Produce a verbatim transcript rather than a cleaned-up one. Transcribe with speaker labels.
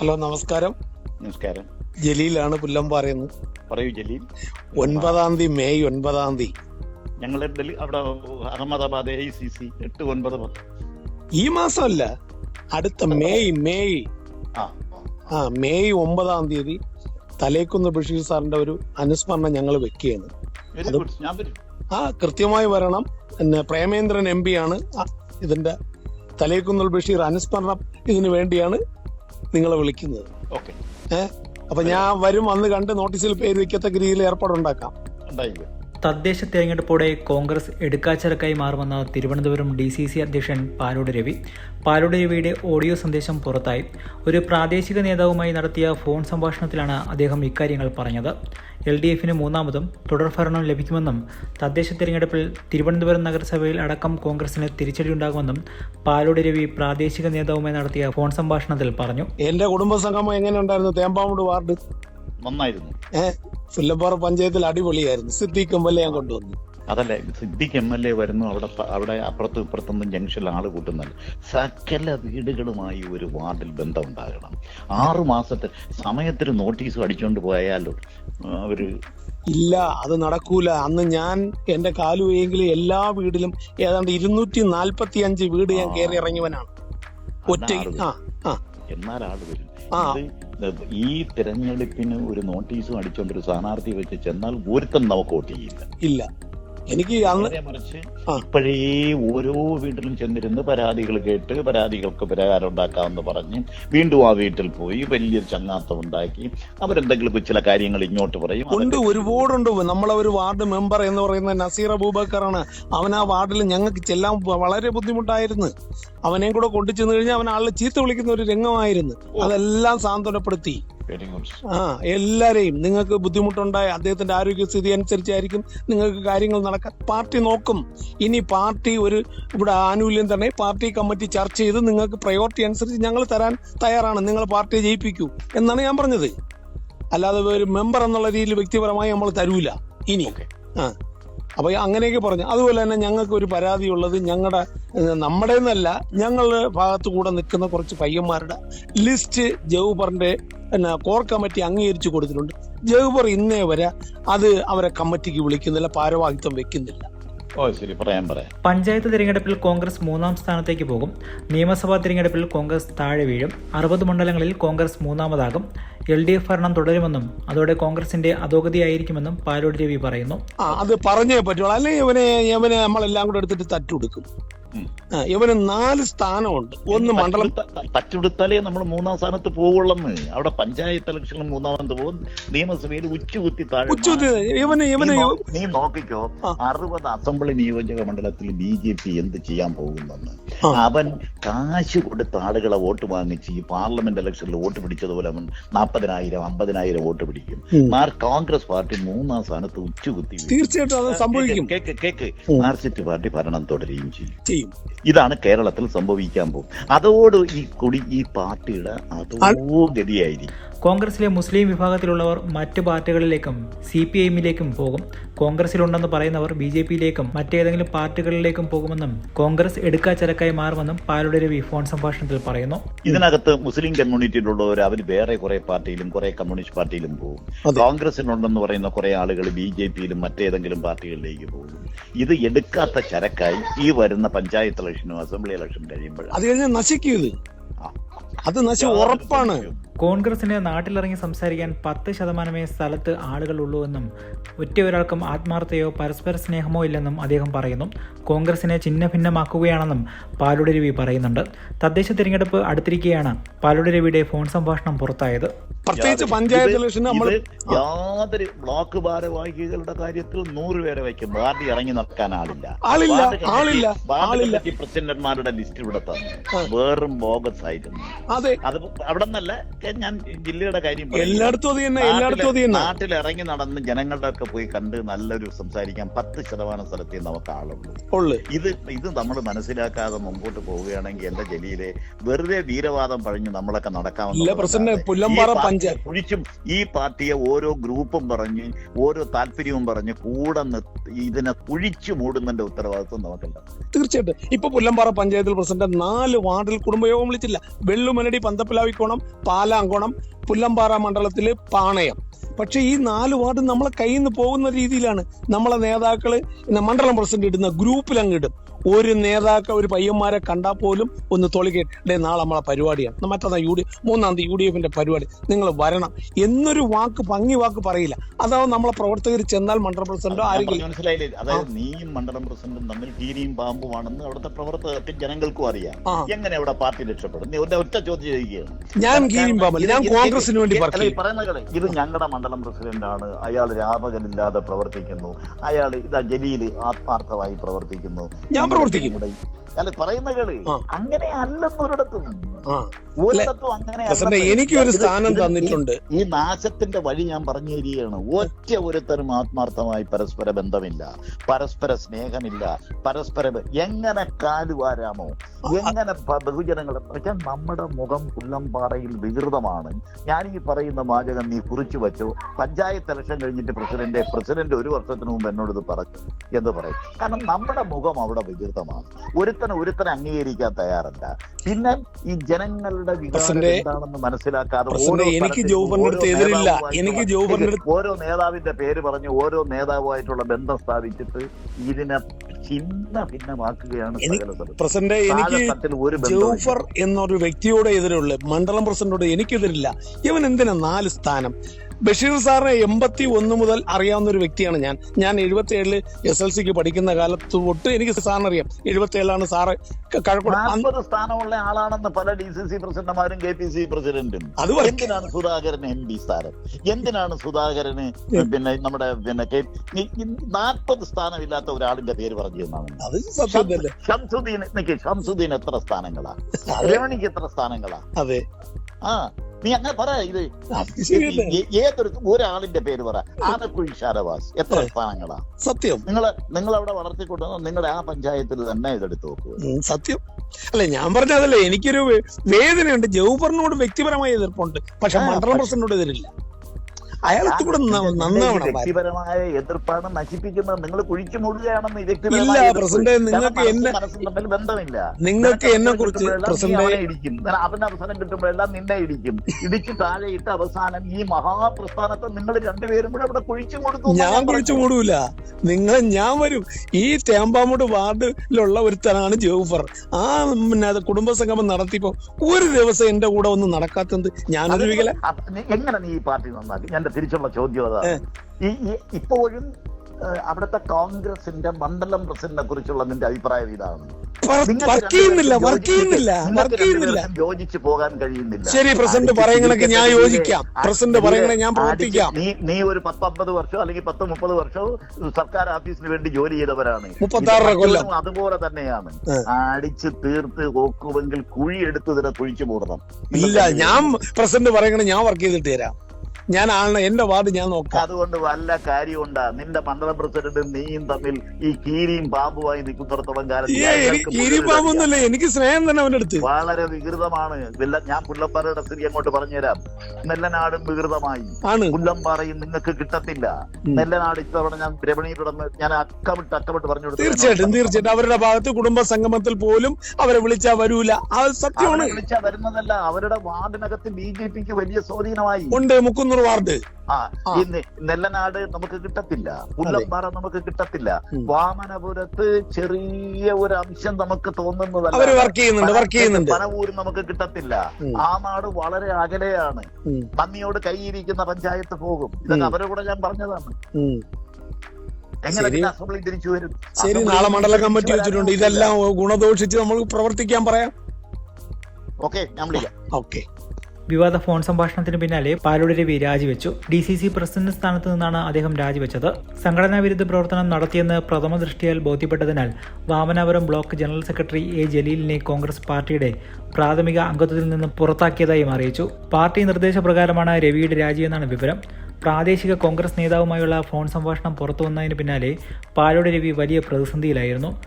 Speaker 1: Hello, നമസ്കാരം.
Speaker 2: നമസ്കാരം.
Speaker 1: ജലീലാണ് പുല്ലമ്പാറയെന്ന്.
Speaker 2: പറയൂ ജലീൽ.
Speaker 1: ഒൻപതാം തീയതി മെയ് ഒൻപതാം തീയതി
Speaker 2: ഞങ്ങളുടെ ഡൽഹി അവിടെ അഹമ്മദാബാദ് എ സി സി എട്ട് ഒൻപത് പത്ത്
Speaker 1: ഈ മാസമല്ല, അടുത്ത മെയ് മെയ്
Speaker 2: ആ
Speaker 1: ആ മെയ് ഒമ്പതാം തീയതി തലേക്കുന്ന് ബഷീർ സാറിന്റെ ഒരു അനുസ്മരണം ഞങ്ങൾ വെക്കുകയാണ്.
Speaker 2: Very good. ഞാൻ വരും.
Speaker 1: ആ കൃത്യമായി വരണം. പിന്നെ പ്രേമേന്ദ്രൻ എം പി ആണ് ഇതിന്റെ തലേക്കുന്ന് ബഷീർ അനുസ്മരണം ഇതിനു വേണ്ടിയാണ് നിങ്ങളെ വിളിക്കുന്നത്.
Speaker 2: ഓക്കെ.
Speaker 1: ഏഹ് അപ്പൊ ഞാൻ വരും, അന്ന് കണ്ട് നോട്ടീസിൽ പേര് വയ്ക്കത്തക്ക രീതിയിൽ ഏർപ്പാടുണ്ടാക്കാം.
Speaker 2: ഉണ്ടായില്ല.
Speaker 3: തദ്ദേശ തെരഞ്ഞെടുപ്പോടെ കോൺഗ്രസ് എടുക്കാച്ചരക്കായി മാറുമെന്ന തിരുവനന്തപുരം ഡി സി സി അധ്യക്ഷൻ പാലോട് രവി. പാലോട് രവിയുടെ ഓഡിയോ സന്ദേശം പുറത്തായി. ഒരു പ്രാദേശിക നേതാവുമായി നടത്തിയ ഫോൺ സംഭാഷണത്തിലാണ് അദ്ദേഹം ഇക്കാര്യങ്ങൾ പറഞ്ഞത്. എൽ ഡി എഫിന് മൂന്നാമതും തുടർഭരണം ലഭിക്കുമെന്നും തദ്ദേശ തെരഞ്ഞെടുപ്പിൽ തിരുവനന്തപുരം നഗരസഭയിൽ അടക്കം കോൺഗ്രസിന് തിരിച്ചടിയുണ്ടാകുമെന്നും പാലോട് രവി പ്രാദേശിക നേതാവുമായി നടത്തിയ ഫോൺ സംഭാഷണത്തിൽ പറഞ്ഞു.
Speaker 1: എന്റെ കുടുംബസംഗമം എങ്ങനെ ഉണ്ടായിരുന്നു? തേമ്പാമൂട് വാർഡ്
Speaker 2: നന്നായിരുന്നു.
Speaker 1: ഏഹ് പുല്ലമ്പാറ പഞ്ചായത്തിൽ അടിപൊളിയായിരുന്നു. സിദ്ദീഖ് എം എൽ എ ഞാൻ കൊണ്ടുവന്നു.
Speaker 2: അതല്ലേ, സിദ്ദിഖ് എം എൽ എ വരുന്നു. അവിടെ അവിടെ അപ്പുറത്തും ഇപ്പുറത്തൊന്നും ജംഗ്ഷനിൽ ആള് കൂട്ടുന്നല്ല. സകല വീടുകളുമായി ഒരു വാർഡിൽ ബന്ധം ഉണ്ടാകണം. ആറു മാസത്തെ സമയത്തിന് നോട്ടീസ് അടിച്ചുകൊണ്ട് പോയാലോ അവര്
Speaker 1: ഇല്ല, അത് നടക്കൂല. അന്ന് ഞാൻ എന്റെ കാലുവെയെങ്കിലും എല്ലാ വീടിലും ഏതാണ്ട് ഇരുന്നൂറ്റി നാൽപ്പത്തി അഞ്ച് വീട് ഞാൻ കയറി ഇറങ്ങിയവനാണ് ഒറ്റ. ആ ആ
Speaker 2: എന്നാൽ ആള് വരും.
Speaker 1: ആ
Speaker 2: ഈ തെരഞ്ഞെടുപ്പിന് ഒരു നോട്ടീസും അടിച്ചോണ്ട് ഒരു സ്ഥാനാർത്ഥി വെച്ച് ചെന്നാൽ ഒരുത്തം നമുക്ക് വോട്ട് ചെയ്യില്ല.
Speaker 1: ഇല്ല. എനിക്ക് അന്ന്
Speaker 2: മറിച്ച് ഇപ്പോഴേ ഓരോ വീട്ടിലും ചെന്നിരുന്ന് പരാതികൾ കേട്ട് പരാതികൾക്ക് പരിഹാരം ഉണ്ടാക്കാമെന്ന് പറഞ്ഞ് വീണ്ടും ആ വീട്ടിൽ പോയി വലിയൊരു ചങ്ങാത്തം ഉണ്ടാക്കി അവരെന്തെങ്കിലും ചില കാര്യങ്ങൾ ഇങ്ങോട്ട് പറയും.
Speaker 1: ഉണ്ട്, ഒരുപാടുണ്ട്. നമ്മളെ ഒരു വാർഡ് മെമ്പർ എന്ന് പറയുന്ന നസീർ അബൂബക്കറാണ്. അവൻ ആ വാർഡിൽ ഞങ്ങൾക്ക് ചെല്ലാൻ വളരെ ബുദ്ധിമുട്ടായിരുന്നു. അവനെയും കൂടെ കൊണ്ടു ചെന്ന് കഴിഞ്ഞാൽ അവൻ ആളെ ചീത്ത വിളിക്കുന്ന ഒരു രംഗമായിരുന്നു. അതെല്ലാം സാന്ത്വനപ്പെടുത്തി. ആ എല്ലാരെയും, നിങ്ങൾക്ക് ബുദ്ധിമുട്ടുണ്ടായ അദ്ദേഹത്തിന്റെ ആരോഗ്യസ്ഥിതി അനുസരിച്ചായിരിക്കും നിങ്ങൾക്ക് കാര്യങ്ങൾ നടക്കാൻ. പാർട്ടി നോക്കും. ഇനി പാർട്ടി ഒരു ഇവിടെ ആനുകൂല്യം തന്നെ പാർട്ടി കമ്മിറ്റി ചർച്ച ചെയ്ത് നിങ്ങൾക്ക് പ്രയോറിറ്റി അനുസരിച്ച് ഞങ്ങൾ തരാൻ തയ്യാറാണ്. നിങ്ങൾ പാർട്ടിയെ ജയിപ്പിക്കൂ എന്നാണ് ഞാൻ പറഞ്ഞത്. അല്ലാതെ ഒരു മെമ്പർ എന്നുള്ള രീതിയിൽ വ്യക്തിപരമായി നമ്മൾ തരൂല ഇനി. ആ അപ്പൊ അങ്ങനെയൊക്കെ പറഞ്ഞു. അതുപോലെ തന്നെ ഞങ്ങൾക്ക് ഒരു പരാതി ഉള്ളത്, ഞങ്ങളുടെ നമ്മുടെ എന്നല്ല, ഞങ്ങളുടെ ഭാഗത്തു കൂടെ നിൽക്കുന്ന കുറച്ച് പയ്യന്മാരുടെ ലിസ്റ്റ് ജൗബറിന്റെ പിന്നെ കോർ കമ്മിറ്റി അംഗീകരിച്ചു കൊടുത്തിട്ടുണ്ട്. ജൗബർ ഇന്നേ വരെ അത് അവരെ കമ്മിറ്റിക്ക് വിളിക്കുന്നില്ല, ഭാരവാഹിത്വം വെക്കുന്നില്ല.
Speaker 2: ഓ ശരി, പറയാൻ പറയാം.
Speaker 3: പഞ്ചായത്ത് തിരഞ്ഞെടുപ്പിൽ കോൺഗ്രസ് മൂന്നാം സ്ഥാനത്തേക്ക് പോകും. നിയമസഭാ തിരഞ്ഞെടുപ്പിൽ കോൺഗ്രസ് താഴെ വീഴും. അറുപത് മണ്ഡലങ്ങളിൽ കോൺഗ്രസ് മൂന്നാമതാകും. എൽ ഡി എഫ് ഭരണം തുടരുമെന്നും അതോടെ കോൺഗ്രസിന്റെ അധോഗതിയായിരിക്കുമെന്നും പാലോട് രവി പറയുന്നു.
Speaker 1: ആ അത് പറഞ്ഞേ പറ്റുള്ളൂ, അല്ലെങ്കിൽ ഇവനെ ഇവനെ നമ്മളെല്ലാം കൂടെ എടുത്തിട്ട് തട്ടുകൊടുക്കും. ഇവന് നാല് സ്ഥാനമുണ്ട്. ഒന്ന് മണ്ഡലം
Speaker 2: തച്ചുകൊടുത്താലേ നമ്മൾ മൂന്നാം സ്ഥാനത്ത് പോവുള്ളെന്ന്. അവിടെ പഞ്ചായത്ത് ഇലക്ഷനിൽ മൂന്നാമത് പോകും, നിയമസഭയിൽ ഉച്ചുകുത്തി താഴെ.
Speaker 1: ഇവന് ഇവന്
Speaker 2: നീ നോക്കിക്കോ, അറുപത് അസംബ്ലി നിയോജക മണ്ഡലത്തിൽ ബി ജെ പി എന്ത് ചെയ്യാൻ പോകുന്നെന്ന്. അവൻ കാശ് കൊടുത്ത ആളുകളെ വോട്ട് വാങ്ങിച്ച് ഈ പാർലമെന്റ് ഇലക്ഷനിൽ വോട്ട് പിടിച്ചതുപോലെ അവൻ നാൽപ്പതിനായിരം അമ്പതിനായിരം വോട്ട് പിടിക്കും. കോൺഗ്രസ് പാർട്ടി മൂന്നാം സ്ഥാനത്ത് ഉച്ചുകുത്തി.
Speaker 1: തീർച്ചയായിട്ടും അത് സംഭവിക്കും.
Speaker 2: കേക്ക് കേക്ക് മാർക്സിസ്റ്റ് പാർട്ടി ഭരണം തുടരുകയും ചെയ്യും.
Speaker 1: ഇതാണ്
Speaker 2: കേരളത്തിൽ സംഭവിക്കാൻ പോകും. അതോട് ഈ കൊടി ഈ പാർട്ടിയുടെ അതോ ഗതിയായിരിക്കും.
Speaker 3: കോൺഗ്രസിലെ മുസ്ലിം വിഭാഗത്തിലുള്ളവർ മറ്റ് പാർട്ടികളിലേക്കും സി പി ഐ എമ്മിലേക്കും പോകും. കോൺഗ്രസിലുണ്ടെന്ന് പറയുന്നവർ ബി ജെ പിയിലേക്കും മറ്റേതെങ്കിലും പാർട്ടികളിലേക്കും പോകുമെന്നും കോൺഗ്രസ് എടുക്കാച്ചരക്കായി മാറുമെന്നും പാലോട് രവി ഫോൺ സംഭാഷണത്തിൽ പറയുന്നു.
Speaker 2: ഇതിനകത്ത് മുസ്ലിം കമ്മ്യൂണിറ്റിയിലുള്ളവർ അവർ വേറെ കുറെ പാർട്ടിയിലും കുറെ കമ്മ്യൂണിസ്റ്റ് പാർട്ടിയിലും പോകും. കോൺഗ്രസിനുണ്ടെന്ന് പറയുന്ന കുറെ ആളുകൾ ബി ജെ പിയിലും മറ്റേതെങ്കിലും പാർട്ടികളിലേക്ക് പോകും. ഇത് എടുക്കാത്ത ചരക്കായി ഈ വരുന്ന പഞ്ചായത്ത് ഇലക്ഷനും അസംബ്ലി ഇലക്ഷനും കഴിയുമ്പോൾ
Speaker 1: അത് കഴിഞ്ഞാൽ നശിക്കും. അത് നശിക്കും, ഉറപ്പാണ്.
Speaker 3: കോൺഗ്രസിന് നാട്ടിലിറങ്ങി സംസാരിക്കാൻ പത്ത് ശതമാനമേ സ്ഥലത്ത് ആളുകളുള്ളൂ എന്നും ഒറ്റ ഒരാൾക്കും ആത്മാർത്ഥതയോ പരസ്പര സ്നേഹമോ ഇല്ലെന്നും അദ്ദേഹം പറയുന്നു. കോൺഗ്രസിനെ ഛിന്ന ഭിന്നമാക്കുകയാണെന്നും പാലോട് രവി പറയുന്നുണ്ട്. തദ്ദേശ തിരഞ്ഞെടുപ്പ് അടുത്തിരിക്കെയാണ് പാലോട് രവിയുടെ ഫോൺ സംഭാഷണം പുറത്തായത്.
Speaker 1: പ്രത്യേകിച്ച് പഞ്ചായത്ത് ഇലക്ഷൻ നമ്മൾ
Speaker 2: യാതൊരു ബ്ലോക്ക് ഭാരവാഹികളുടെ കാര്യത്തിൽ നൂറ് പേരെ വയ്ക്കും. പാർട്ടി ഇറങ്ങി നടക്കാൻ ആളില്ല.
Speaker 1: ആളില്ല ആളില്ല ആളില്ല
Speaker 2: പ്രസിഡന്റുമാരുടെ ലിസ്റ്റ് ഇവിടെ തന്നെ വെറും ബോഗസ് ആയിരുന്നു.
Speaker 1: അതെ,
Speaker 2: അത് അവിടെ നിന്നല്ല, ഞാൻ ജില്ലയുടെ കാര്യം
Speaker 1: എല്ലായിടത്തും
Speaker 2: നാട്ടിൽ ഇറങ്ങി നടന്ന് ജനങ്ങളുടെ ഒക്കെ പോയി കണ്ട് നല്ലൊരു സംസാരിക്കാൻ പത്ത് ശതമാനം സ്ഥലത്തേ നമുക്ക് ആളുള്ളൂ. ഇത് ഇത് നമ്മൾ മനസ്സിലാക്കാതെ മുമ്പോട്ട് പോവുകയാണെങ്കിൽ എന്റെ ജലീലെ വെറുതെ വീരവാദം പറഞ്ഞ് നമ്മളൊക്കെ നടക്കാമെന്ന്.
Speaker 1: പ്രസിഡന്റ് പുല്ലമ്പാറ പഞ്ചായത്ത്
Speaker 2: കുഴിച്ചും ഈ പാർട്ടിയെ ഓരോ ഗ്രൂപ്പും പറഞ്ഞ് ഓരോ താല്പര്യവും പറഞ്ഞ് കൂടെ നിർത്തി ഇതിനെ കുഴിച്ചു മൂടുന്നതിന്റെ ഉത്തരവാദിത്വം നമുക്കല്ല.
Speaker 1: തീർച്ചയായിട്ടും ഇപ്പൊ പുല്ലമ്പാറ പഞ്ചായത്തിൽ പ്രസിഡന്റ് നാല് വാർഡിൽ കുടുംബയോഗം വിളിച്ചില്ല. വെള്ളുമനടി, പന്തപ്പിലാവിക്കോണം, പാലാങ്കോണം, പുല്ലമ്പാറ മണ്ഡലത്തില് പാണയം. പക്ഷെ ഈ നാല് വാർഡ് നമ്മളെ കയ്യിൽ നിന്ന് പോകുന്ന രീതിയിലാണ് നമ്മളെ നേതാക്കള് മണ്ഡലം പ്രസിഡന്റ് ഇടുന്ന ഗ്രൂപ്പിൽ അങ്ങ് ഇടും. ഒരു നേതാക്കൾ ഒരു പയ്യന്മാരെ കണ്ടാൽ പോലും ഒന്ന് തൊളിക്കേണ്ടേ നാളെ നമ്മളെ പരിപാടിയാണ്, മറ്റന്നാ യു ഡി മൂന്നാം തീയതി യു ഡി എഫിന്റെ പരിപാടി, നിങ്ങൾ വരണം എന്നൊരു വാക്ക് ഭംഗി വാക്ക് പറയില്ല. അതാവും നമ്മളെ പ്രവർത്തകർ ചെന്നാൽ മണ്ഡലം പ്രസിഡന്റോ ആരെങ്കിലും
Speaker 2: മനസ്സിലായില്ലേ? അതായത് നീയും മണ്ഡലം പ്രസിഡന്റും തമ്മിൽ കീരിയും പാമ്പുമാണെന്ന് അവിടുത്തെ പ്രവർത്തകർക്ക് ജനങ്ങൾക്കും അറിയാം. എങ്ങനെ അവിടെ പാർട്ടി രക്ഷപ്പെടും? നീ ഒറ്റ ചോദ്യം ചെയ്യുകയാണ്.
Speaker 1: ഞാൻ കീരിയും പാമ്പല്ല, ഞാൻ കോൺഗ്രസിന് വേണ്ടി
Speaker 2: പറയുന്നത് ഇത് ഞങ്ങളുടെ മണ്ഡലം പ്രസിഡന്റ് ആണ്, അയാൾ രാപകലില്ലാതെ പ്രവർത്തിക്കുന്നു, അയാൾ ഇതാ ജലീല് ആത്മാർത്ഥമായി പ്രവർത്തിക്കുന്നു,
Speaker 1: ഞാൻ പ്രവർത്തിക്കും.
Speaker 2: അല്ല പറയുന്ന കളി അങ്ങനെ അല്ലെന്നൊരിടത്തും ഒരിടത്തും അങ്ങനെ.
Speaker 1: എനിക്ക് ഒരു സ്ഥാനം തന്നിട്ടുണ്ട്.
Speaker 2: ഈ നാശത്തിന്റെ വഴി ഞാൻ പറഞ്ഞു തരികയാണ്. ഒറ്റ ഒരുത്തരും ആത്മാർത്ഥമായി പരസ്പര ബന്ധമില്ല, പരസ്പര സ്നേഹമില്ല, പരസ്പര എങ്ങനെ കാലുവാരാമോ, എങ്ങനെ ബഹുജനങ്ങൾ വെച്ചാൽ നമ്മുടെ മുഖം പുല്ലമ്പാറയിൽ വികൃതമാണ്. ഞാൻ ഈ പറയുന്ന വാചകം നീ കുറിച്ചു വെച്ചോ. പഞ്ചായത്ത് ഇലക്ഷൻ കഴിഞ്ഞിട്ട് പ്രസിഡന്റ് പ്രസിഡന്റ് ഒരു വർഷത്തിന് മുമ്പ് എന്നോട് ഇത് പറഞ്ഞു എന്ന് പറയും. കാരണം നമ്മുടെ മുഖം അവിടെ വികൃതമാണ്. ഒരുത്തനെ ഒരുത്തനെ അംഗീകരിക്കാൻ തയ്യാറല്ല. പിന്നെ ഈ ജനങ്ങളുടെ വികാരം എന്താണെന്ന് മനസ്സിലാക്കാതെ
Speaker 1: എനിക്ക് ജോബറിനടുത്ത് എതിരില്ല, എനിക്ക് ജോബറിനടുത്ത്
Speaker 2: ഓരോ നേതാവിന്റെ പേര് പറഞ്ഞ് ഓരോ നേതാവുമായിട്ടുള്ള ബന്ധം സ്ഥാപിച്ചിട്ട് ഇതിനെ ചിന്ന ഭിന്നമാക്കുകയാണ്.
Speaker 1: പ്രസിഡന്റ്, എനിക്ക് ജോഫർ എന്നൊരു വ്യക്തിയോട് എതിരുള്ള മണ്ഡലം പ്രസിഡന്റോട് എനിക്കെതിരില്ല. ഇവൻ എന്തിനാ നാല് സ്ഥാനം? ബഷീർ സാറിനെ എൺപത്തി ഒന്ന് മുതൽ അറിയാവുന്ന ഒരു വ്യക്തിയാണ് ഞാൻ. ഞാൻ എഴുപത്തി ഏഴില് എസ് എൽ സിക്ക് പഠിക്കുന്ന കാലത്ത് തൊട്ട് എനിക്ക് സാറിന് അറിയാം. എഴുപത്തി ഏഴിലാണ് സാറ്
Speaker 2: നാൽപ്പത് സ്ഥാനമുള്ള ആളാണെന്ന് പല ഡി സി സി പ്രസിഡന്റുമാരും കെ പി സി പ്രസിഡന്റും. എന്തിനാണ് സുധാകരന് എം പി സ്ഥാനം? എന്തിനാണ് സുധാകരന് പിന്നെ നമ്മുടെ പിന്നെ നാൽപ്പത് സ്ഥാനമില്ലാത്ത ഒരാളിന്റെ പേര് പറഞ്ഞു തന്നാണ്. ഷംസുദ്ദീൻ ഷംസുദ്ദീൻ എത്ര സ്ഥാനങ്ങളാ? രമണിക്ക് എത്ര സ്ഥാനങ്ങളാ?
Speaker 1: അതെ
Speaker 2: ആ നീ അങ്ങനെ പറ. ഇത് ഏതൊരു ഒരാളിന്റെ പേര് പറ. ആനക്കുഴി ഷാനവാസ് എത്ര സ്ഥാനങ്ങളാ?
Speaker 1: സത്യം.
Speaker 2: നിങ്ങൾ നിങ്ങൾ അവിടെ വളർത്തിക്കൊണ്ടുവന്ന നിങ്ങളുടെ ആ പഞ്ചായത്തിൽ തന്നെ ഇതെടുത്ത് നോക്കുക.
Speaker 1: സത്യം അല്ലെ ഞാൻ പറഞ്ഞതല്ലേ. എനിക്കൊരു വേദനയുണ്ട്. ജൗഹറിനോട് വ്യക്തിപരമായ എതിർപ്പുണ്ട്, പക്ഷെ മണ്ഡലം പ്രസിഡന്റിനോട് എതിരില്ല. അയാൾക്ക് കൂടെ നന്നാവണം.
Speaker 2: വ്യക്തിപരമായ എതിർപ്പാണ് നശിപ്പിക്കുന്നത്. നിങ്ങൾ കുഴിച്ചു മൂടുകയാണെന്ന്
Speaker 1: ഇല്ല പ്രസിഡന്റ്. നിങ്ങൾക്ക് എന്നെ
Speaker 2: തമ്മിൽ ബന്ധമില്ല.
Speaker 1: നിങ്ങൾക്ക് എന്നെ കുറിച്ച് പ്രസിഡന്റ്
Speaker 2: ഇടിക്കും. അവന് അവസരം കിട്ടുമ്പോഴെല്ലാം നിന്നെ ഇടിക്കും. ഇടിച്ച് താഴെ ഇട്ട് അവസാനം ഈ മഹാപ്രസ്ഥാനത്തെ നിങ്ങൾ രണ്ടുപേരും കൂടെ അവിടെ കുഴിച്ചു കൊടുക്കും.
Speaker 1: ഞാൻ കുഴിച്ചു മൂടൂല. നിങ്ങൾ ഞാൻ വരും. ഈ തേമ്പാമൂട് വാർഡിലുള്ള ഒരുത്തനാണ് ജോഫർ. ആ പിന്നെ കുടുംബസംഗമം നടത്തിയപ്പോ ഒരു ദിവസം എന്റെ കൂടെ ഒന്നും നടക്കാത്തത് ഞാനൊരു വികല.
Speaker 2: എങ്ങനെ നീ ഈ പാർട്ടി നന്നാക്കി? ഞാൻ തിരിച്ചുള്ള ചോദ്യം അതാണ്. ഈ ഇപ്പോഴും അവിടുത്തെ കോൺഗ്രസിന്റെ മണ്ഡലം പ്രസിഡന്റിനെ കുറിച്ചുള്ള നിന്റെ അഭിപ്രായം ഇതാണ്? യോജിച്ചു പോകാൻ കഴിയുന്നില്ല.
Speaker 1: ശരി പ്രസിഡന്റ് പറയുകയാണെങ്കിൽ ഞാൻ യോജിക്കാം. പ്രസിഡന്റ് പറയണേ ഞാൻ പ്രവർത്തിക്കാം.
Speaker 2: നീ നീ ഒരു പത്തൊമ്പത് വർഷം അല്ലെങ്കിൽ പത്ത് മുപ്പത് വർഷവും സർക്കാർ ഓഫീസിന് വേണ്ടി ജോലി ചെയ്തവരാണ്.
Speaker 1: മുപ്പത്താറര കൊല്ലം
Speaker 2: അതുപോലെ തന്നെയാണ്. അടിച്ച് തീർത്ത് നോക്കുമെങ്കിൽ കുഴി എടുത്ത് ഇതിനെ കുഴിച്ചു മൂടണം.
Speaker 1: ഇല്ല, ഞാൻ പ്രസിഡന്റ് പറയണേ ഞാൻ വർക്ക് ചെയ്തിട്ട് തരാം. ഞാൻ ആണ് എന്റെ വാർഡ് ഞാൻ നോക്കാം.
Speaker 2: അതുകൊണ്ട് വല്ല കാര്യമുണ്ടാ? നിന്റെ മണ്ഡലം പ്രസിഡന്റും നീയും തമ്മിൽ ഈ കീരിയും പാമ്പുമായി നിൽക്കുന്നിടത്തോളം കാലം
Speaker 1: കീരിയും പാമ്പൊന്നുമല്ല, എനിക്ക് സ്നേഹം തന്നെ അവന്റെ അടുത്ത്.
Speaker 2: വളരെ വികൃതമാണ്. ഞാൻ പുല്ലമ്പാറയുടെ സ്ഥിതി അങ്ങോട്ട് പറഞ്ഞുതരാം. നെല്ലനാടും വികൃതമായി, പുല്ലമ്പാറയും നിങ്ങൾക്ക് കിട്ടത്തില്ല. നെല്ലനാട് ഇത്തവണ ഞാൻ രമണിയുടെ ഞാൻ അക്കമിട്ട് അക്കമിട്ട് പറഞ്ഞു കൊടുത്തു.
Speaker 1: തീർച്ചയായിട്ടും തീർച്ചയായിട്ടും അവരുടെ ഭാഗത്ത് കുടുംബ സംഗമത്തിൽ പോലും അവരെ വിളിച്ചാ വരൂല. അത് സത്യമാണ്.
Speaker 2: വിളിച്ചാ വരുന്നതല്ല, അവരുടെ വാർഡിനകത്ത് ബി ജെ പിക്ക് വലിയ സ്വാധീനമായി
Speaker 1: ഉണ്ട്. മുക്കുന്നൂർ വാർഡ്
Speaker 2: ആ ഇന്ന് നെല്ലനാട് നമുക്ക് കിട്ടത്തില്ല, പുല്ലമ്പാറ നമുക്ക് കിട്ടത്തില്ല. വാമനപുരത്ത് ചെറിയ ഒരു അംശം നമുക്ക് തോന്നുന്നതല്ല. പനവൂര് നമുക്ക് കിട്ടത്തില്ല. ആ നാട് വളരെ അകലെയാണ്. നന്ദിയോട് കൈയിരിക്കുന്ന പഞ്ചായത്ത് പോകും. ഇതൊക്കെ അവരെ കൂടെ ഞാൻ പറഞ്ഞതാണ്. എങ്ങനെ അസംബ്ലി തിരിച്ചു വരും?
Speaker 1: ശരി, നാളെ മണ്ഡല കമ്മിറ്റി വെച്ചിട്ടുണ്ട്. ഇതെല്ലാം ഗുണദോഷിച്ച് നമുക്ക് പ്രവർത്തിക്കാൻ പറയാം.
Speaker 2: ഓക്കെ, ഞാൻ വിളിക്കാം.
Speaker 1: ഓക്കെ.
Speaker 3: വിവാദ ഫോൺ സംഭാഷണത്തിന് പിന്നാലെ പാലോട് രവി രാജിവെച്ചു. ഡി സി സി പ്രസിഡന്റ് സ്ഥാനത്ത് നിന്നാണ് അദ്ദേഹം രാജിവെച്ചത്. സംഘടനാ വിരുദ്ധ പ്രവർത്തനം നടത്തിയെന്ന് പ്രഥമ ദൃഷ്ടിയാൽ ബോധ്യപ്പെട്ടതിനാൽ Vamanapuram block general secretary A ജലീലിനെ കോൺഗ്രസ് പാർട്ടിയുടെ പ്രാഥമിക അംഗത്വത്തിൽ നിന്ന് പുറത്താക്കിയതായും അറിയിച്ചു. പാർട്ടി നിർദ്ദേശപ്രകാരമാണ് രവിയുടെ രാജിയെന്നാണ് വിവരം. പ്രാദേശിക കോൺഗ്രസ് നേതാവുമായുള്ള ഫോൺ സംഭാഷണം പുറത്തുവന്നതിന് പിന്നാലെ പാലോട് രവി വലിയ പ്രതിസന്ധിയിലായിരുന്നു.